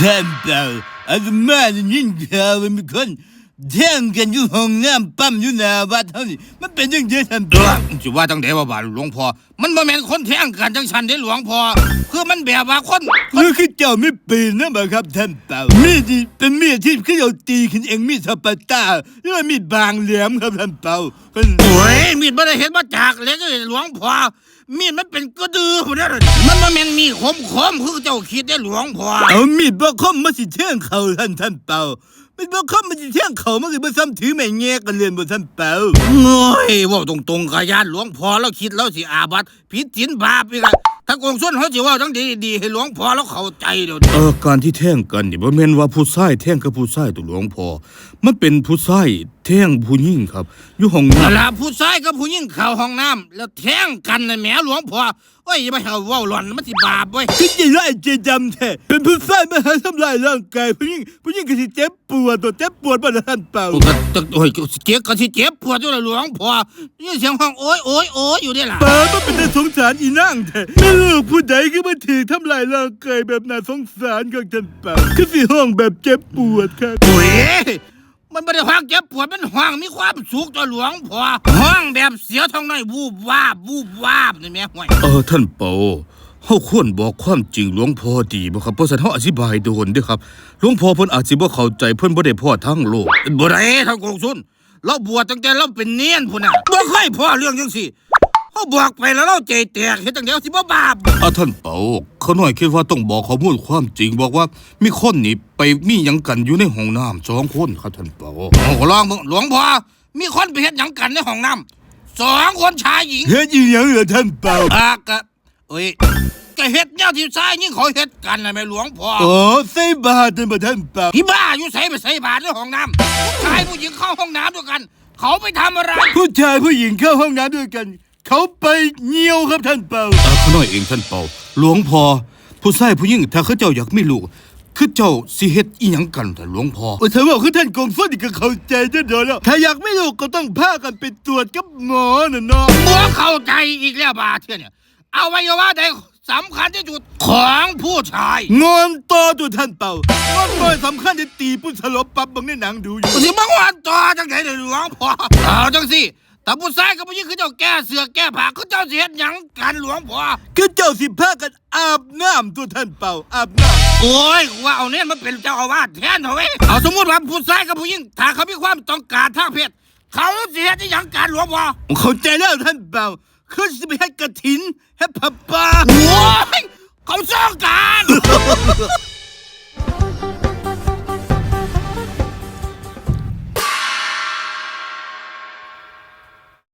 ท่านเปล่าอาตมาได้ยินข่าวว่ามีคนแท่งกันอยู่ห้องน้ำปั๊มอยู่หน้าวัดเท่านี้มันเป็นยังไงท่านเปล่าสิว่าจังได๋ว่าบาดหลวงพ่อมันบ่แม่นคนแท้งกันจังซั่นเด้หลวงพ่อคือมันแบบว่าคนคือเจ้าไม่เป็นนะบ่ครับท่านเปล่ามีดเป็นมีดที่คือเราตีขึ้นเองมีดสปาต้าหรือว่ามีดบางแหลมครับท่านเปล่าโอ้ยมีดบ่ได้เฮ็ดมาจากเหล็กเลยหลวงพ่อมีดมันเป็นกระดือพุ่นเด้อมันบ่แม่นมีดคมคือเจ้าคิดเด้หลวงพ่อเอามีดบ่คมมาสิแทงเขาท่านเปล่ามันบ่คมมันสิแทงเขามันสิบ่ซ้ำถือไม้แงกันเรียนบ่ท่านเปล่าโอ้ยเว้าตรงๆกะยานหลวงพ่อแล้วคิดแล้วสิอาบัติผิดศีลบาปอีกอะถ้ากงส่วนเขาสิเว้าจังดีๆให้หลวงพ่อแล้วเข้าใจเด้อการที่แท่งกันนี่บ่แม่นว่าผู้ชายแท่งกับผู้ชายตัวหลวงพ่อมันเป็นผู้ชายแท่งผู้หญิงครับอยู่ห้องน้ำล่ะผู้ชายกับผู้หญิงเข้าห้องน้ำแล้วแท่งกันน่ะแหมหลวงพ่อโอ้ยอย่ามาเว้าหล่อนมันสิบาปเว้ยคือใจร้ายใจดำแท้เป็นผู้ชายมาหาทำลายร่างกายผู้หญิงก็สิเจ็บปวดบ่ท่านเปล่าโอ้ยเจ็บก็สิเจ็บปวดอยู่ล่ะหลวงพ่อนี่เสียงห้องโอ๊ยอยู่นี่ล่ะเปล่ามันเป็นน่าสงสารอีนางแท้แม่ลูกผู้ใดก็มาถือทำลายร่างกายแบบน่าสงสารของท่านเปล่าคือสิห้องแบบเจ็บปวดครับโอ้ยมันไม่ได้ห้องเจ็บปวดมันห้องมีความสุขตัวหลวงพ่อห้องแบบเสียท้องน้อยวูบวาบนี่แม่ห่วยท่านเปาเฮาควรบอกความจริงหลวงพ่อดีบ่ครับเพราะฉะนั้นเฮาอธิบายโดนเด้อครับหลวงพ่อเพิ่นอาจสิบ่เข้าใจเพิ่นบ่ได้พ้อทั้งโลกบ่ได้ทั้งกงสุนเราบวชตั้งแต่เราเป็นเนียนพุ่นน่ะบ่เคยพ้อเรื่องจังซี่เฮาบอกไปแล้วเราใจแตกเฮ็ดจังได๋สิบ่บาปท่านเปาเขาน้อยคิดว่าต้องบอกข้อมูลความจริงบอกว่ามีคนนี่ไปมีหยังกันอยู่ในห้องน้ำ2คนครับท่านเปาลองหลวงพ่อมีคนไปเฮ็ดหยังกันในห้องน้ำ2คนชายหญิงเฮ็ดอีหยังเหรอท่านเปาก็เฮ็ดแนวที่ชายหญิงเขาเฮ็ดกันน่ะแม่หลวงพ่อใส่บาตรบ่ท่านเปาพี่บ้าอยู่ไปใส่บาตรในห้องน้ำผู้ชายผู้หญิงเข้าห้องน้ำด้วยกันเขาไปทำอะไรผู้ชายผู้หญิงเข้าห้องน้ำด้วยกันเขาไปเหี่ยวครับท่านเปาเขาน้อยเองท่านเปาหลวงพ่อผู้ชายผู้หญิงถ้าเขาเจ้าอยากมีลูกคือเจ้าสิเฮ็ดอีหยังกันแต่หลวงพ่อถ้าว่าคือท่านกงสุนก็เข้าใจเด้อแล้วถ้าอยากไม่ลูกก็ต้องพากันไปตรวจกับหมอน่ะเนาะบ่เข้าใจอีกแล้วบาเทื่อเนี่ยอวัยวะใดสำคัญที่สุดของผู้ชายงอนต่อตัวท่านเปางอนบ่สำคัญที่ตีผู้สลบปั๊บบางในหนังดูอยู่สิมางอนต่อจังได๋หลวงพ่อเอาจังสิแต่ผู้ชายกับผู้หญิงคือเจ้าแก้เสือแก้ผ้าคือเจ้าสิเฮ็ดหยังกันหลวงพ่อคือเจ้าสิพากันอาบน้ำตัวท่านเปาอาบน้ำโอ้ยว่าเอาเนี่ยมันเป็นเจ้าอาวาสแทนเถอะเว้ยเอาสมมุติว่าผู้ชายกับผู้หญิงถ้าเขามีความต้องการทางเพศเขาสิเฮ็ดหยังกันหลวงพ่อเข้าใจแล้วท่านเปาคือสิไปให้กฐินให้ผ้าป่าโอ้ยเขาสร้างกัน